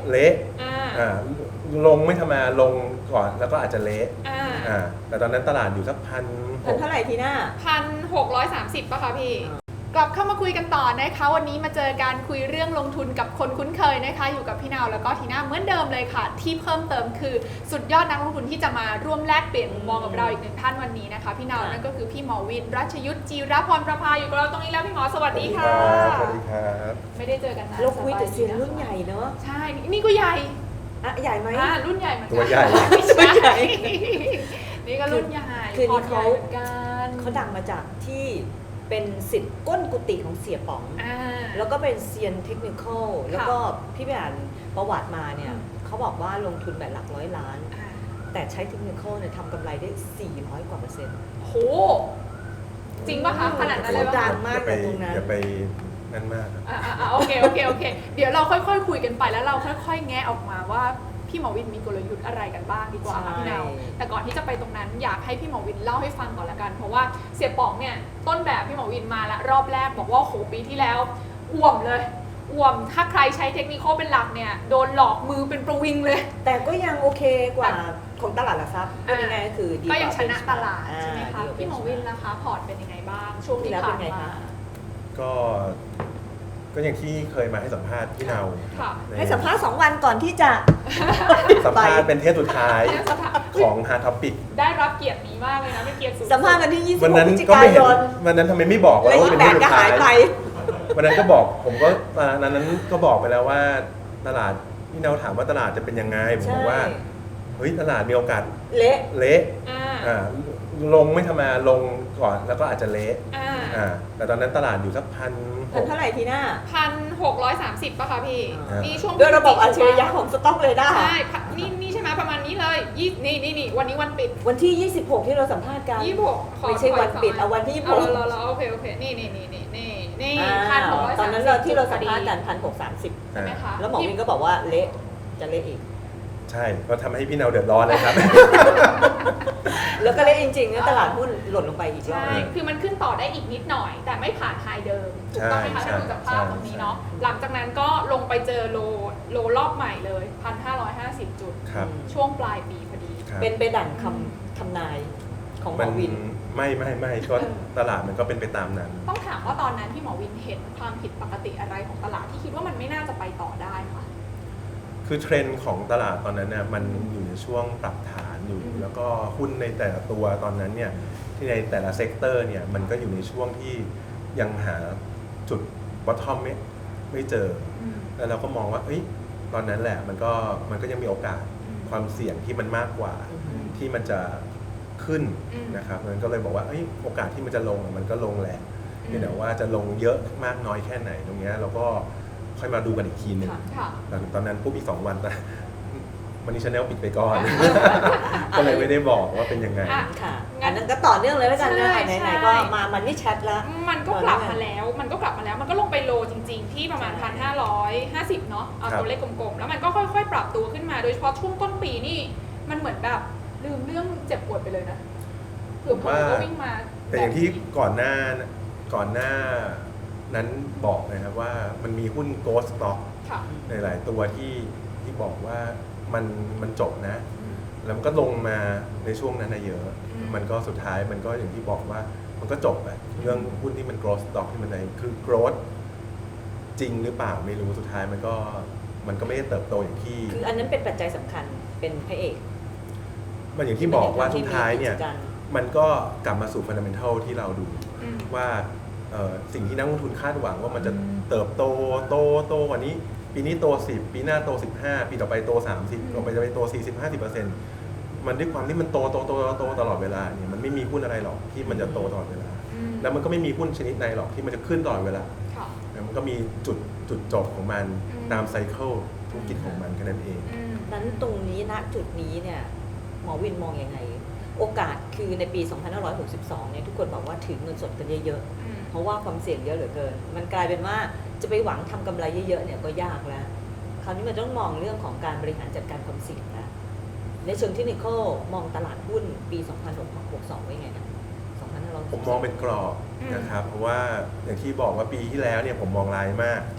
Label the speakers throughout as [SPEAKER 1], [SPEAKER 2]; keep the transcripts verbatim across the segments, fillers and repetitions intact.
[SPEAKER 1] เละอ่าลงไม่ทำมาลงก่อนแล้วก็อาจจะเละอ่าแต่ตอนนั้นตลาดอยู่สักพัน
[SPEAKER 2] พันเท่าไหร่ทีหน้า
[SPEAKER 3] พันหกร้อยสามสิบป่ะคะพี่กลับเข้ามาคุยกันต่อนะคะวันนี้มาเจอการคุยเรื่องลงทุนกับคนคุ้นเคยนะคะอยู่กับพี่นาวแล้วก็ทีน่าเหมือนเดิมเลยค่ะที่เพิ่มเติมคือสุดยอดนักลงทุนที่จะมาร่วมแลกเปลี่ยนมุมมองกับเราอีกหนึ่งท่านวันนี้นะคะพี่นาวนั่นก็คือพี่หมอวินรัชยุทธจีรพรประภาอยู่กับเราตรงนี้แล้วพี่หมอสวัสดีค่ะ
[SPEAKER 1] สวัสดีครับ
[SPEAKER 3] ไม่ได้เจอกันนาน
[SPEAKER 2] เราคุยแต่เซียนรุ่นใหญ่เนอะ
[SPEAKER 3] ใช่นี่ก็ใหญ่
[SPEAKER 2] อะใหญ่ไหม
[SPEAKER 3] อ่ารุ่นใหญ่เหมือนกัน
[SPEAKER 1] ตัวใหญ่
[SPEAKER 3] ตัวใหญ่นี่ก็รุ่นใหญ่
[SPEAKER 2] คือนี่เขา
[SPEAKER 3] กัน
[SPEAKER 2] เขาดังมาจากที่เป็นศิษย์ก้นกุฏิของเสียป๋องแล้วก็เป็นเซียนเทคนิคอลแล้วก็พี่ไปอ่านประวัติมาเนี่ยเขาบอกว่าลงทุนแบบหลักร้อยล้านแต่ใช้เทคนิคอลเนี่ยทำกำไรได้สี่ร้อยกว่าเปอร์เซ็นต์
[SPEAKER 3] โหจริงป่ะคะขนาดนั้นเลย
[SPEAKER 2] ดังมากตรงนั้น
[SPEAKER 1] อย่าไปนั่นมาก
[SPEAKER 3] อ่าโอเคโอเคโอเคเดี๋ยวเราค่อยๆคุยกันไปแล้วเราค่อยๆแงะออกมาว่าพี่หมอวินมีกลยุทธ์อะไรกันบ้างดีกว่าค่ะพี่นาวแต่ก่อนที่จะไปตรงนั้นอยากให้พี่หมอวินเล่าให้ฟังก่อนละกันเพราะว่าเสียป๋องเนี่ยต้นแบบพี่หมอวินมาแล้วรอบแรกบอกว่าโหปีที่แล้วอ่วมเลยอ่วมถ้าใครใช้เทคนิคเป็นหลักเนี่ยโดนหลอกมือเป็นประวิงเลย
[SPEAKER 2] แต่ก็ยังโอเคกว่าของตลาดหลักทรัพย์เป็นยังไงคือดี
[SPEAKER 3] ก็ยังชนะตลาดใช่ไหมคะพี่หมอวินนะคะพอร์ตเป็นยังไงบ้างช่วงที่ผ่านมา
[SPEAKER 1] ก็ก็อย่างที่เคยมาให้สัมภาษณ์พี่เนา
[SPEAKER 2] ให้สัมภาษณ์สองวันก่อนที่จะ
[SPEAKER 1] สัมภาษณ์เป็นเทปสุดท้ายของฮาร์ท็อปิก
[SPEAKER 3] ได้รับเกียรตินี้มากเลยนะไม่เกียรติสูง
[SPEAKER 2] สัมภาษณ์กันที่ยี่สิบ
[SPEAKER 1] วัน
[SPEAKER 2] นั้น
[SPEAKER 1] ก็ไม่เห็นวันนั้นทำไมไม่บอกว่า
[SPEAKER 2] เป็นเทปสุดท้าย
[SPEAKER 1] วันนั้นก็บอกผมก็ตอนนั้นก็บอกไปแล้วว่าตลาดพี่เนาถามว่าตลาดจะเป็นยังไงผมบอกว่าเฮ้ยตลาดมีโอกาส
[SPEAKER 2] เละ
[SPEAKER 1] เละอ่าลงไม่ทำมาลงก่อนแล้วก็อาจจะเละอ่าแต่ตอนนั้นตลาดอยู่สักพัน
[SPEAKER 2] พันเท่าไหร่ทีหน้า
[SPEAKER 3] พันหกร้อยสามสิบป่ะคะพี่นี่ช่วง
[SPEAKER 2] ด้วยระบบอัจฉริยะของสต็อกเลยได้
[SPEAKER 3] ใช่นี่นี่ใช่ไหมประมาณนี้เลยยี่นี่นี่นี่วันนี้วันปิด
[SPEAKER 2] วันที่ยี่สิบหกที่เราสัมภาษณ์กัน
[SPEAKER 3] ยี่สิบหก
[SPEAKER 2] ไม่ใช่วันปิดเอาวันที่ยี่สิบหก
[SPEAKER 3] เราเราโอเคโอเคนี่นี่นี่นี่นี่นี่พันหกร้อย
[SPEAKER 2] ตอนนั้นเราที่เราสัมภาษณ์กันพันหกสามสิบ
[SPEAKER 3] ใช่ไหมคะ
[SPEAKER 2] แล้วหมอวินก็บอกว่าเละจะเละอีก
[SPEAKER 1] ใช่ก็ทำให้พี่เนาเดือดร้อนนะครับ
[SPEAKER 2] แล้วก็เลยจริงๆตลาดหุ้นหล่นลงไปอีกรอบ
[SPEAKER 3] ใช่คือมันขึ้นต่อได้อีกนิดหน่อยแต่ไม่ผ่านไฮเดิมถูกต้องไหมคะถ้าดูจากภาพตรงนี้เนาะหลังจากนั้นก็ลงไปเจอโลโลรอบใหม่เลย หนึ่งพันห้าร้อยห้าสิบ จุดช่วงปลายปีพอดี
[SPEAKER 2] เป็นไปดั่งคำทำนายของหมอวิน
[SPEAKER 1] ไม่ไม่ไม่ก็ตลาดมันก็เป็นไปตามนั้น
[SPEAKER 3] ต้องถามว่าตอนนั้นพี่หมอวินเห็นความผิดปกติอะไรของตลาดที่คิดว่ามันไม่น่าจะไปต่อได้ค่ะ
[SPEAKER 1] คือเทรนด์ของตลาดตอนนั้นเนี่ยมันอยู่ในช่วงปรับฐานอยู่แล้วก็หุ้นในแต่ละตัวตอนนั้นเนี่ยที่ในแต่ละเซกเตอร์เนี่ยมันก็อยู่ในช่วงที่ยังหาจุดบอททอมไม่ไม่เจอแล้วเราก็มองว่าเอ้ยตอนนั้นแหละมันก็มันก็ยังมีโอกาสความเสี่ยงที่มันมากกว่าที่มันจะขึ้นนะครับมันก็เลยบอกว่าเอ้ยโอกาสที่มันจะลงมันก็ลงแหละแต่ว่าจะลงเยอะมากน้อยแค่ไหนตรงนี้เราก็ค่อยมาดูกันอีกทีหนึ่งตอนนั้นปุ๊บอีกสองวันนะมันนี่ชาแนลปิดไปก่อนก็เลยไม่ได้บอกว่าเป็นยังไง
[SPEAKER 2] ค่ะงั้นนั้นก็ต่อเนื่องเลยแล้วกันนะไหนๆก็มามันนี่แชทแล้ว
[SPEAKER 3] มันก็กลับมาแล้วมันก็กลับมาแล้วมันก็ลงไปโลจริงๆที่ประมาณ หนึ่งพันห้าร้อยห้าสิบ เนาะเอาตัวเลขกลมๆแล้วมันก็ค่อยๆปรับตัวขึ้นมาโดยเฉพาะช่วงต้นปีนี่มันเหมือนแบบลืมเรื่องเจ็บปวดไปเลยนะเผื่อผมก็วิ่งมา
[SPEAKER 1] แต่อย่างที่ก่อนหน้าก่อนหน้านั้นบอกนะครับว่ามันมีหุ้น Ghost Stock ในหลายตัวที่ที่บอกว่ามันมันจบนะแล้วมันก็ลงมาในช่วงนั้นเยอะมันก็สุดท้ายมันก็อย่างที่บอกว่ามันก็จบอะเรื่องหุ้นที่มัน Growth Stock ที่มันในคือ growth จริงหรือเปล่าไม่รู้สุดท้ายมันก็มันก็ไม่ได้เติบโตอย่างที่
[SPEAKER 2] คืออันนั้นเป็นปัจจัยสำคัญเป็นพระเอก
[SPEAKER 1] มันอย่างที่บอกว่าสุดท้ายเนี่ยมันก็กลับมาสู่ fundamental ที่เราดูว่าสิ่งที่นักลงทุนคาดหวังว่ามันจะเติบโตโตโตกว่านี้ปีนี้โตสิบปีหน้าโตสิบห้าปีต่อไปโตสามสิบต่อไปจะไปโตสี่สิบ ห้าสิบเปอร์เซ็นต์ มันด้วยความที่มันโตโตโตโตตลอดเวลาเนี่ยมันไม่มีหุ้นอะไรหรอกที่มันจะโตตลอดเวลาแล้วมันก็ไม่มีหุ้นชนิดใดหรอกที่มันจะขึ้นตลอดเวลามันก็มีจุดจุดจบของมันตามไซเคิลธุรกิจของมันแค่นั้นเอง
[SPEAKER 2] นั้นตรงนี้ณจุดนี้เนี่ยหมอวินมองยังไงโอกาสคือในปีสองพันห้าร้อยหกสิบสองเนี่ยทุกคนบอกว่าถือเงินสดกันเยอะๆเพราะว่าความเสี่ยงเยอะเหลือเกินมันกลายเป็นว่าจะไปหวังทำกำไรเยอะๆเนี่ยก็ยากแล้วคราวนี้มันต้องมองเรื่องของการบริหารจัดการความเสี่ยงแล้วในเชิงเทคนิคมองตลาดหุ้นปีสองพันหกสิบสองไว้ไงนะสองพันห้าร้อย
[SPEAKER 1] ผมมองเป็นกรอบนะครับเพราะว่าอย่างที่บอกว่าปีที่แล้วเนี่ยผมมองรายมาก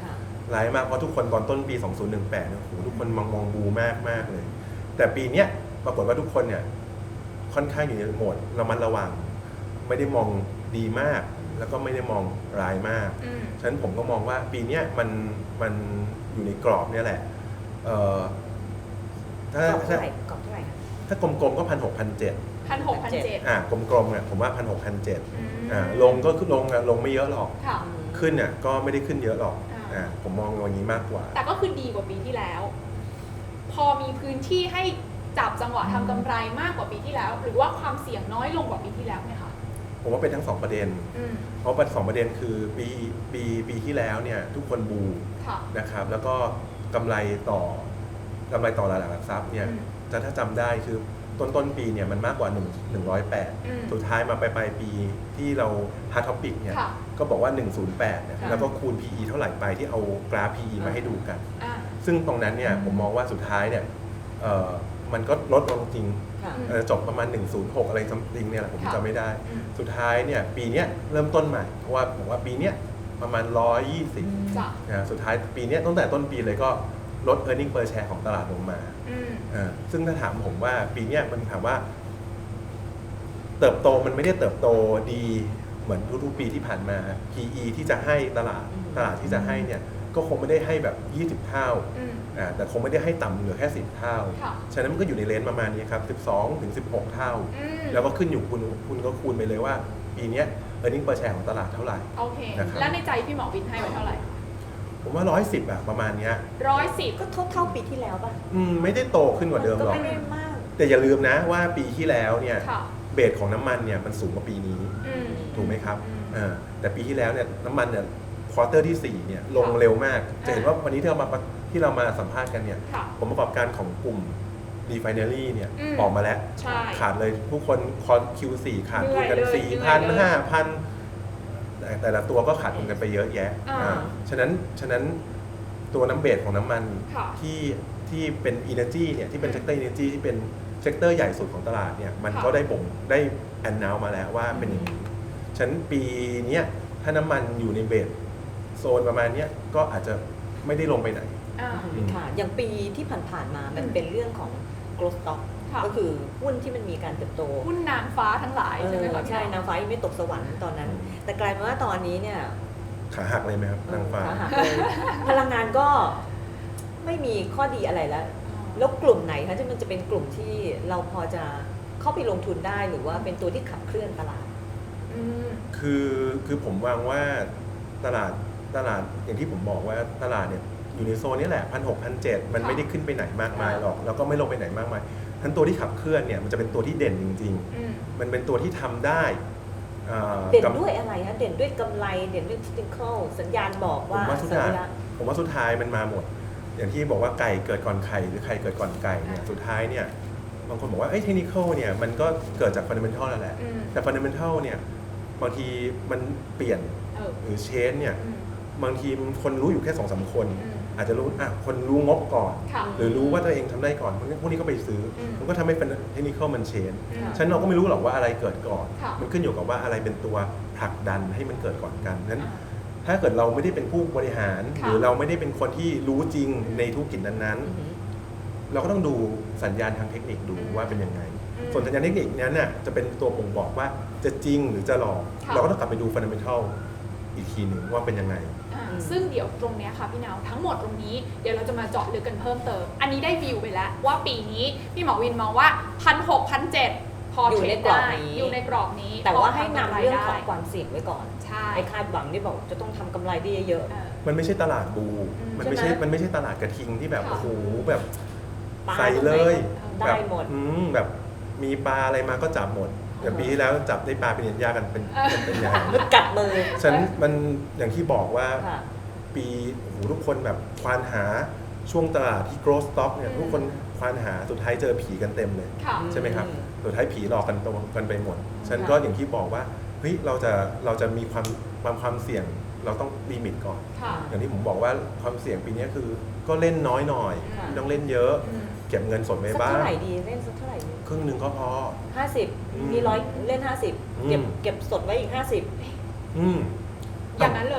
[SPEAKER 1] ร้ายมากเพราะทุกคนตอนต้นปีสองพันสิบแปดเนี่ยโอ้โหทุกคนมองมองบูมากมากเลย แต่ปีเนี้ยปรากฏว่าทุกคนเนี่ยค่อนข้างอยู่ในโหมดระมัดระวังไม่ได้มองดีมากแล้วก็ไม่ได้มองร้ายมาก
[SPEAKER 3] อืม
[SPEAKER 1] ฉะนั้นผมก็มองว่าปีเนี้ยมันมันอยู่ในกรอบเนี่ยแหละเอ่อถ้าก
[SPEAKER 2] รอบเท่า
[SPEAKER 1] ถ้า
[SPEAKER 2] ไหร่กรอบเท่าไหร่คะ
[SPEAKER 1] ถ้ากลมๆก็พันหกพันเจ็ด
[SPEAKER 3] พันหกพันเจ็ด
[SPEAKER 1] อ่ากลมๆเนี่ยผมว่าพันหกพันเจ็ด
[SPEAKER 3] อืม
[SPEAKER 1] อ่าลงก็คือลงอะลงไม่เยอะหรอก
[SPEAKER 3] ค่ะ
[SPEAKER 1] ขึ้นเนี่ยก็ไม่ได้ขึ้นเยอะหรอก
[SPEAKER 3] อ่า
[SPEAKER 1] อ่าผมมองอย่างนี้มากกว่า
[SPEAKER 3] แต่ก็คือดีกว่าปีที่แล้ว พอมีพื้นที่ให้จับจังหวะทำกำไรมากกว่าปีที่แล้ว หรือว่าความเสี่ยงน้อยลงกว่าปีที่แล้วไหมคะ
[SPEAKER 1] ผมว่าเป็นทั้งสองประเด็น
[SPEAKER 3] อืม
[SPEAKER 1] เพราะประสองประเด็นคือปีปีปีที่แล้วเนี่ยทุกคนบู
[SPEAKER 3] ค่ะ
[SPEAKER 1] นะครับแล้วก็กำไรต่อกำไรต่อตลาดหลักทรัพย์เนี่ย
[SPEAKER 3] อืม
[SPEAKER 1] จะถ้าจำได้คือต้นต้นปีเนี่ยมันมากกว่าหนึ่ง หนึ่งร้อยแปด
[SPEAKER 3] อืม
[SPEAKER 1] สุดท้ายมาปลายปลายปีที่เราฮาร์ทอปิกเนี่ย
[SPEAKER 3] ค่ะ
[SPEAKER 1] ก็บอกว่า หนึ่งร้อยแปดเนี่ย
[SPEAKER 3] ค่ะ
[SPEAKER 1] แล้วก็คูณ พี อี เท่าไหร่ไปที่เอากราฟ พี อี มาให้ดูกัน
[SPEAKER 3] อ่า
[SPEAKER 1] ซึ่งตรงนั้นเนี่ยผมมองว่าสุดท้ายเนี่ยเอ่อมันก็ลดลงจริง
[SPEAKER 2] ค่ะ
[SPEAKER 1] เอ่อจบประมาณ หนึ่งร้อยหก อะไรซัมติงเนี่ยแหละผม
[SPEAKER 3] ค่ะ
[SPEAKER 1] จำไม่ได้
[SPEAKER 3] อืม
[SPEAKER 1] สุดท้ายเนี่ยปีเนี้ยเริ่มต้นใหม่เพราะว่าผมว่าปีเนี้ยประมาณหนึ่งร้อยยี่สิบ
[SPEAKER 3] จ้ะ
[SPEAKER 1] นะสุดท้ายปีเนี้ยตั้งแต่ต้นปีเลยก็ลด earning per share ของตลาดลงมา
[SPEAKER 3] อืม
[SPEAKER 1] อ่าซึ่งถ้าถามผมว่าปีเนี้ยมันถามว่า เติบโตมันไม่ได้เติบโตดีเหมือนทุกๆปีที่ผ่านมา พี อี ที่จะให้ตลาด
[SPEAKER 2] อืม
[SPEAKER 1] ตลาดที่จะให้เนี่ยก็คงไม่ได้ให้แบบยี่สิบเท่า
[SPEAKER 3] อืม
[SPEAKER 1] อ่าแต่คงไม่ได้ให้ต่ำเหลือแค่สิบเท่า
[SPEAKER 3] ค่ะ
[SPEAKER 1] ฉะนั้นมันก็อยู่ในเลนส์ประมาณนี้ครับสิบสองถึงสิบหกเท่า
[SPEAKER 3] อืม
[SPEAKER 1] แล้วก็ขึ้นอยู่คุณคุณก็คูณไปเลยว่า ปีเนี้ย earning per share ของตลาดเท่าไหร่
[SPEAKER 3] โอเค
[SPEAKER 1] นะครับ
[SPEAKER 3] แล้วในใจพี่หมอวินให้ไว้เท่าไหร่
[SPEAKER 1] ผมว่าร้อยสิบอะประมาณเนี้ย
[SPEAKER 3] ร้อยสิบ
[SPEAKER 2] ก็เท่าเท่าปีที่แล้วป่ะ
[SPEAKER 1] อืมไม่ได้โตขึ้นกว่าเดิม
[SPEAKER 2] ก็
[SPEAKER 1] หรอก
[SPEAKER 2] ไม่ได้มาก
[SPEAKER 1] แต่อย่าลืมนะว่าปีที่แล้วเนี่ย
[SPEAKER 3] ค่ะ
[SPEAKER 1] เบสของน้ำมันเนี่ยมันสูงกว่าปีนี้
[SPEAKER 3] อืม
[SPEAKER 1] ถูกไหมครับ
[SPEAKER 3] อืม
[SPEAKER 1] อ่าแต่ปีที่แล้วเนี่ยน้ำมันเนี่ยควอเตอร์ที่สี่เนี่ยลงเร็วมาก จะเห็นว่าวันนี้ที่เรามาที่เรามาสัมภาษณ์กันเนี่ย
[SPEAKER 3] ค่ะ
[SPEAKER 1] ผลประกอบการของกลุ่ม refinery เนี่ย
[SPEAKER 3] อืม
[SPEAKER 1] ออกมาแล้ว
[SPEAKER 3] ใช่
[SPEAKER 1] ขาดเลยทุกคนคอน คิว โฟร์ ขาดทุนกัน
[SPEAKER 3] เหนื่อยเลย
[SPEAKER 1] สี่
[SPEAKER 3] เหนื่
[SPEAKER 1] พั
[SPEAKER 3] อย
[SPEAKER 1] น
[SPEAKER 3] เลย
[SPEAKER 1] ห้าพันแต่แต่ละตัวก็ขาดทุนกันไปเยอะแยะ
[SPEAKER 3] อ่า
[SPEAKER 1] อ่าฉะนั้นฉะนั้นตัวน้ำเบสของน้ำมัน
[SPEAKER 3] ค่ะ
[SPEAKER 1] ที่ที่เป็น energy เนี่ยที่เป็น sector energy ที่เป็นเซกเตอร์ใหญ่สุดของตลาดเนี่ยมัน
[SPEAKER 3] ค่ะ
[SPEAKER 1] ก็ได้บ่งได้แอนนาวมาแล้วว่าเป็นอย่างนี้ฉะนั้นปีเนี้ยถ้าน้ำมันอยู่ในเบสโซนประมาณเนี้ยก็อาจจะไม่ได้ลงไปไหน
[SPEAKER 3] อ่า
[SPEAKER 1] อืม
[SPEAKER 2] ค่ะ อย่างปีที่ผ่านๆมา มัน
[SPEAKER 3] อืม
[SPEAKER 2] เป็นเรื่องของ growth stock
[SPEAKER 3] ค่ะ
[SPEAKER 2] ก็คือหุ้นที่มันมีการเติบโต
[SPEAKER 3] หุ้นนางฟ้าทั้งหลาย
[SPEAKER 2] เอ
[SPEAKER 3] ใช่ไหม
[SPEAKER 2] อ
[SPEAKER 3] คะพี่
[SPEAKER 2] ใช่
[SPEAKER 3] หมอ
[SPEAKER 2] นางฟ้ายังไม่ตกสวรรค์ตอนนั้น แต่กลายเป็นว่าตอนนี้เนี่ย
[SPEAKER 1] ขาหักเลยไหมครับนางฟ้า
[SPEAKER 2] ขาหักเลยพลังงานก็ไม่มีข้อดีอะไรแล้ว แล้วกลุ่มไหนคะที่มันจะเป็นกลุ่มที่เราพอจะเข้าไปลงทุนได้หรือว่าเป็นตัวที่ขับเคลื่อนตลาด
[SPEAKER 3] อืม
[SPEAKER 1] คือคือผมวางว่าตลาดตลาดอย่างที่ผมบอกว่าตลาดเนี่ยอยู่ในโซนนี้แหละพันหกพันเจ็ดมัน
[SPEAKER 3] ค่ะ
[SPEAKER 1] ไม่ได้ขึ้นไปไหนมากมายหรอก แล้วก็ไม่ลงไปไหนมากมายทั้นตัวที่ขับเคลื่อนเนี่ยมันจะเป็นตัวที่เด่นจริง
[SPEAKER 3] อืม
[SPEAKER 1] ๆ มันเป็นตัวที่ทำได้อ่า
[SPEAKER 2] เด่น
[SPEAKER 1] กับ
[SPEAKER 2] ด้วยอะไรคะเด่นด้วยกำไร เด่นด้วย technical สัญญาณบอก
[SPEAKER 1] ผม
[SPEAKER 2] ว่า
[SPEAKER 1] ว่าสุด
[SPEAKER 2] สั
[SPEAKER 1] ท้าย
[SPEAKER 2] ญญาณ
[SPEAKER 1] ผมว่าสุดท้ายมันมาหมด อย่างที่บอกว่าไก่เกิดก่อนไข่หรือไข่เกิดก่อนไก่เนี่ย
[SPEAKER 3] อ่า
[SPEAKER 1] สุดท้ายเนี่ยบางคนบอกว่าไอ้เทคนิคเนี่ยมันก็เกิดจากฟันเดเมนทัลนั่นแหละ
[SPEAKER 3] อืม
[SPEAKER 1] แต่ฟันเดเมนทัลเนี่ยบางทีมันเปลี่ยน
[SPEAKER 3] เออ
[SPEAKER 1] หรือเชนเนี่ย
[SPEAKER 3] อืม
[SPEAKER 1] บางทีคนรู้อยู่แค่สองสามคน
[SPEAKER 3] อืม
[SPEAKER 1] อาจจะรู้อ่ะคนรู้งบก่อน
[SPEAKER 3] ค่ะ
[SPEAKER 1] หรือรู้ว่าตัวเองทำได้ก่อนพวกนี้พวกนี้ก็ไปซื้ออ
[SPEAKER 3] ม
[SPEAKER 1] มันก็ทำให้เป็นเทคนิคมันเชน
[SPEAKER 3] อืม
[SPEAKER 1] ฉะนันเราก็ไม่รู้หรอกว่าอะไรเกิดก่อน
[SPEAKER 3] ค่ะ
[SPEAKER 1] มันขึ้นอยู่กับว่าอะไรเป็นตัวผลักดันให้มันเกิดก่อนกันนั้น
[SPEAKER 3] อ่า
[SPEAKER 1] ถ้าเกิดเราไม่ได้เป็นผู้บริหาร
[SPEAKER 3] ค่ะ
[SPEAKER 1] หรือเราไม่ได้เป็นคนที่รู้จริงในธุรกิจนั้น
[SPEAKER 2] อือหือ
[SPEAKER 1] ๆ เราก็ต้องดูสัญญาณทางเทคนิคดู
[SPEAKER 3] อืม
[SPEAKER 1] ว่าเป็นยังไง
[SPEAKER 3] อืม
[SPEAKER 1] ส่วนสัญญาณเทคนิคนั้นน่ะจะเป็นตัวบ่งบอกว่าจะจริงหรือจะหลอก
[SPEAKER 3] ค่ะ
[SPEAKER 1] เราก็ต้องกลับไปดูฟันเดเมนทัลอีกทีหนึ่งว่าเป็นยังไง
[SPEAKER 3] อ่า
[SPEAKER 2] อืม
[SPEAKER 3] ซึ่งเดี๋ยวตรงเนี้ยค่ะพี่นาวทั้งหมดตรงนี้เดี๋ยวเราจะมาเจาะลึกกันเพิ่มเติม อันนี้ได้วิวไปแล้วว่าปีนี้พี่หมอวินมองว่าพันหกพันเจ็ดพอ
[SPEAKER 2] อยู่
[SPEAKER 3] เทร
[SPEAKER 2] ใน
[SPEAKER 3] ด
[SPEAKER 2] กรอบ
[SPEAKER 3] ได้
[SPEAKER 2] นี้
[SPEAKER 3] อยู่ในกรอบนี้
[SPEAKER 2] แต่ว่า
[SPEAKER 3] พ
[SPEAKER 2] ให้
[SPEAKER 3] ทำำ
[SPEAKER 2] นำ
[SPEAKER 3] ไร
[SPEAKER 2] เรื่องของ
[SPEAKER 3] ได้
[SPEAKER 2] ความเสี่ยงไว้ก่อน
[SPEAKER 3] ใช่
[SPEAKER 2] ไอ้คาดหวังที่บอกจะต้องทำกำไรได้เยอะ
[SPEAKER 3] เออ
[SPEAKER 1] มันไม่ใช่ตลาดบู
[SPEAKER 3] อืม
[SPEAKER 1] มันไม่ใช่
[SPEAKER 2] ใช่ไหม
[SPEAKER 1] มันไม่ใช่ตลาดกระทิงที่แบบ
[SPEAKER 3] ค่ะ
[SPEAKER 1] โอ้โหแบบ
[SPEAKER 2] ๆปลา
[SPEAKER 1] ใส่เลย
[SPEAKER 2] ได้
[SPEAKER 1] แบบ
[SPEAKER 2] หมด
[SPEAKER 1] อืมแบบมีปลาอะไรมาก็จับหมดอย่างปีที่แล้วจับได้ปลาเป็นยันยากันเป็น
[SPEAKER 3] เออ
[SPEAKER 1] เป็นเป็นอย่าง
[SPEAKER 2] มันกัดมือ
[SPEAKER 1] ฉันมันอย่างที่บอกว่า
[SPEAKER 2] ค่ะ
[SPEAKER 1] ปีโอ้โหทุกคนแบบควานหาช่วงตลาดที่ growth stock เนี่ย
[SPEAKER 3] อืม
[SPEAKER 1] ทุกคนควานหาสุดท้ายเจอผีกันเต็มเลย
[SPEAKER 3] ค่ะ
[SPEAKER 1] ใช่ไหมครับ
[SPEAKER 2] อืม
[SPEAKER 1] สุดท้ายผีหลอกกันตัวกันไปหมด ฉัน
[SPEAKER 3] ค่ะ
[SPEAKER 1] ก็อย่างที่บอกว่าเฮ้ยเราจะเราจะมีความความความเสี่ยงเราต้องลิมิตก่อน
[SPEAKER 3] ค่ะ
[SPEAKER 1] อย่างที่ผมบอกว่าความเสี่ยงปีนี้คือก็เล่นน้อยหน่อย
[SPEAKER 3] ค่ะ
[SPEAKER 1] ไม่ต้องเล่นเยอะ
[SPEAKER 3] อืม
[SPEAKER 1] เก็บเงินสดไว้
[SPEAKER 2] สัก
[SPEAKER 1] บ้าง
[SPEAKER 2] เท่าไหร่ดีเล่นสักเท่าไหร่ดี
[SPEAKER 1] ครึ่งหนึ่งก็พอ
[SPEAKER 2] ห้าสิบ
[SPEAKER 1] อืม
[SPEAKER 2] มีร้อยเล่นห้าสิบ
[SPEAKER 1] อืม
[SPEAKER 2] เก็บเก็บสดไว้อีกห้าสิบ
[SPEAKER 1] อืม
[SPEAKER 3] อย่างนั้นเลย
[SPEAKER 2] อื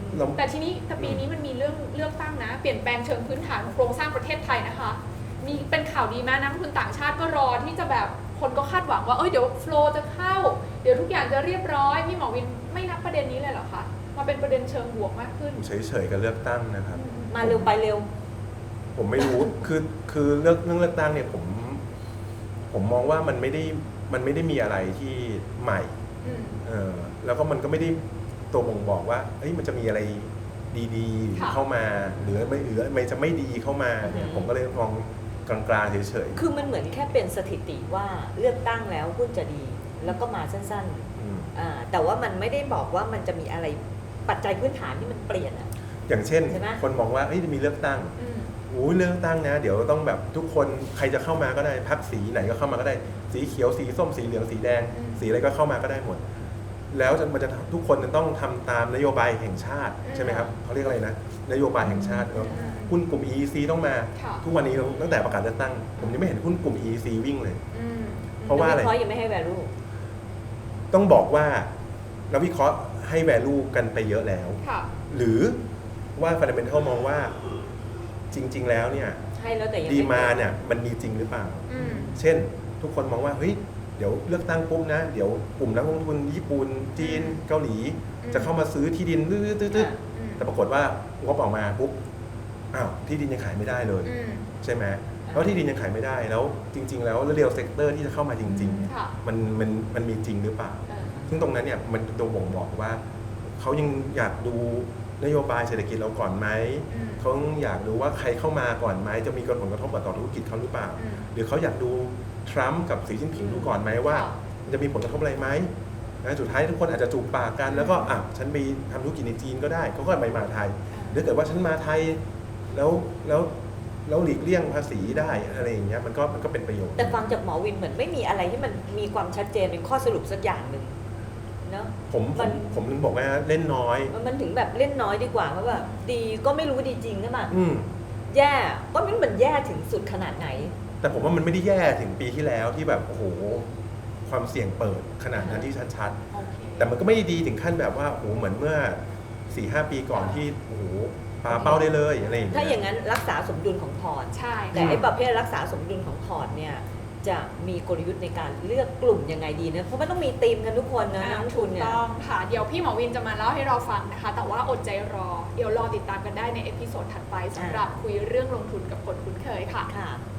[SPEAKER 1] เรา
[SPEAKER 3] แต่ทีนี้แต่ปีนี้มันมีเรื่องเลือกตั้งนะ เปลี่ยนแปลงเชิงพื้นฐานของโครงสร้างประเทศไทยนะคะ มีเป็นข่าวดีไหมนักลงทุนต่างชาติก็รอที่จะแบบคนก็คาดหวังว่าเอ้ยเดี๋ยวโฟลว์จะเข้า เดี๋ยวทุกอย่างจะเรียบร้อยพี่หมอวินไม่นับประเด็นนี้เลยเหรอคะมาเป็นประเด็นเชิงบวกมากขึ้น
[SPEAKER 1] เฉยๆกับเลือกตั้งนะครับ
[SPEAKER 2] มาเร็วไปเร็ว
[SPEAKER 1] ผมไม่รู้ คือคือเลือกเรื่องเลือกตั้งเนี่ยผมผมมองว่ามันไม่ได้มันไม่ได้มีอะไรที่ใหม่
[SPEAKER 3] อืม
[SPEAKER 1] เออแล้วก็มันก็ไม่ได้ตัวบ่งบอกว่าเอ้ยมันจะมีอะไรดี
[SPEAKER 3] ค่ะ
[SPEAKER 1] ๆเข้ามาหรือไม่หรือไม่จะไม่ดีเข้ามาเนี่ย
[SPEAKER 2] อืม
[SPEAKER 1] ผมก็เลยมองกลางๆเฉย
[SPEAKER 2] คือมันเหมือนแค่เป็นสถิติว่าเลือกตั้งแล้วหุ้นจะดี แล้วก็มาสั้น
[SPEAKER 1] ๆอืม
[SPEAKER 2] ๆอ่าแต่ว่ามันไม่ได้บอกว่ามันจะมีอะไรปัจจัยพื้นฐานที่มันเปลี่ยนอะ
[SPEAKER 1] อย่างเช่น
[SPEAKER 2] ใช่ไหม
[SPEAKER 1] คนมองว่าเอ้ยจะมีเลือกตั้ง
[SPEAKER 3] อืม
[SPEAKER 1] โอ้ยเลือกตั้งนะเดี๋ยวต้องแบบทุกคนใครจะเข้ามาก็ได้พรรคสีไหนก็เข้ามาก็ได้ สีเขียวสีส้มสีเหลืองสีแดง
[SPEAKER 3] อืม
[SPEAKER 1] สีอะไรก็เข้ามาก็ได้หมด แล้วจะมันจะทุกคนจะต้องทำตามนโยบายแห่งชาติ
[SPEAKER 3] อืม
[SPEAKER 1] ใช่ไหมครับเขาเรียกอะไรนะนโยบายแห่งชาติเนอะ
[SPEAKER 3] อืม
[SPEAKER 1] หุ้นกลุ่ม อี อี ซี ต้องมา
[SPEAKER 3] ค่ะ
[SPEAKER 1] ทุกวันนี้ตั้งแต่ประกาศเลือกตั้ง ผมยังไม่เห็นหุ้นกลุ่ม อี อี ซี วิ่งเลย
[SPEAKER 3] อืม
[SPEAKER 1] เพราะว่าอะไร
[SPEAKER 2] นักวิเคราะห์ยังไม่ให้ value
[SPEAKER 1] ต้องบอกว่านักวิเคราะห์ให้ value กันไปเยอะแล้ว
[SPEAKER 3] ค่ะ
[SPEAKER 1] หรือว่า fundamental มองว่าจริง ๆ แล้วเนี่ย
[SPEAKER 2] ให้แล้วแต่ยัง
[SPEAKER 1] ดี
[SPEAKER 2] ไม่
[SPEAKER 1] มาเนี่ยมันมีจริงหรือเปล่า
[SPEAKER 3] อืม
[SPEAKER 1] เช่น ทุกคนมองว่าเฮ้ยเดี๋ยวเลือกตั้งปุ๊บนะ เดี๋ยวกลุ่มนักลงทุนญี่ปุ่นจีนเกาหลี
[SPEAKER 3] อืม
[SPEAKER 1] จะเข้ามาซื้อที่ดินตื้อ
[SPEAKER 2] อ่ะ
[SPEAKER 3] อืม
[SPEAKER 1] ๆแต่ปรากฏว่างบออกมาปุ๊บอ้าวที่ดินยังขายไม่ได้เลย
[SPEAKER 3] อืม
[SPEAKER 1] ใช่ไหมแล้วที่ดินยังขายไม่ได้แล้วจริง ๆ แล้วเรียลเซกเตอร์ที่จะเข้ามาจริง
[SPEAKER 3] ค่ะ
[SPEAKER 1] ๆ มันมันมันมีจริงหรือเปล่า
[SPEAKER 3] เออ
[SPEAKER 1] ซึ่งตรงนั้นเนี่ยมันตัวบ่งบอกว่าเขายังอยากดูนโยบายเศรษฐกิจเราก่อนไหม
[SPEAKER 3] อืม
[SPEAKER 1] เขาอยากดูว่าใครเข้ามาก่อนไหมจะมีผลกระทบกับต่อธุรกิจเขาหรือเปล่า
[SPEAKER 3] อืม
[SPEAKER 1] หรือเขาอยากดูทรัมป์กับสีจิ้นผิงดูก่อนไหมว่า
[SPEAKER 3] ค่ะ
[SPEAKER 1] มันจะมีผลกระทบอะไรไหมนะสุดท้ายทุกคนอาจจะจูบปากกันแล้วก็อ่ะฉันไปทำธุรกิจในจีนก็ได้เขาก็ไม่มาไทยหรือเกิดว่าฉันมาไทยแล้วแล้วแล้วหลีกเลี่ยงภาษีได้อะไรอย่างเงี้ยมันก็มันก็เป็นประโยชน์
[SPEAKER 2] แต่ฟังจากหมอวินเหมือนไม่มีอะไรที่มันมีความชัดเจนเป็นข้อสรุปสักอย่างหนึ่งเนาะ
[SPEAKER 1] ผมผ
[SPEAKER 2] มั
[SPEAKER 1] ม
[SPEAKER 2] น
[SPEAKER 1] ผมถึงบอกว่าเล่นน้อย
[SPEAKER 2] มันถึงแบบเล่นน้อยดีกว่าเพราะว่าดีก็ไม่รู้ดีจริงใช่ไหม
[SPEAKER 1] อืม
[SPEAKER 2] แย่ก็ไม่รู้มันแย่ถึงสุดขนาดไหน
[SPEAKER 1] แต่ผมว่ามันไม่ได้แย่ถึงปีที่แล้วที่แบบโอ้โหความเสี่ยงเปิดขนาดนั้นที่ชัด
[SPEAKER 3] โอเค
[SPEAKER 1] ๆแต่มันก็ไม่ได้ดีถึงขั้นแบบว่าโอ้โหเหมือนเมื่อสี่ห้าปีก่อนที่โอ้โหปาเป้าได้เลยอะไรอย่างเงี้ย
[SPEAKER 2] ถ้าอย่างนั้นรักษาสมดุลของพอร์ต
[SPEAKER 3] ใช่
[SPEAKER 2] แต่ไอ้ประเภทรักษาสมดุลของพอร์ตเนี่ยจะมีกลยุทธ์ในการเลือกกลุ่มยังไงดีนะเพราะมันต้องมีธีมกันทุกคนนะนักลงทุนเนี่ย
[SPEAKER 3] ต้องค่ะ เดี๋ยวพี่หมอวินจะมาเล่าให้เราฟังนะคะ แต่ว่าอดใจรอ เดี๋ยวรอติดตามกันได้ในเอพิโซดถัดไปสำหรับคุยเรื่องลงทุนกับคนคุ้นเคยค่ะ
[SPEAKER 2] ค่ะ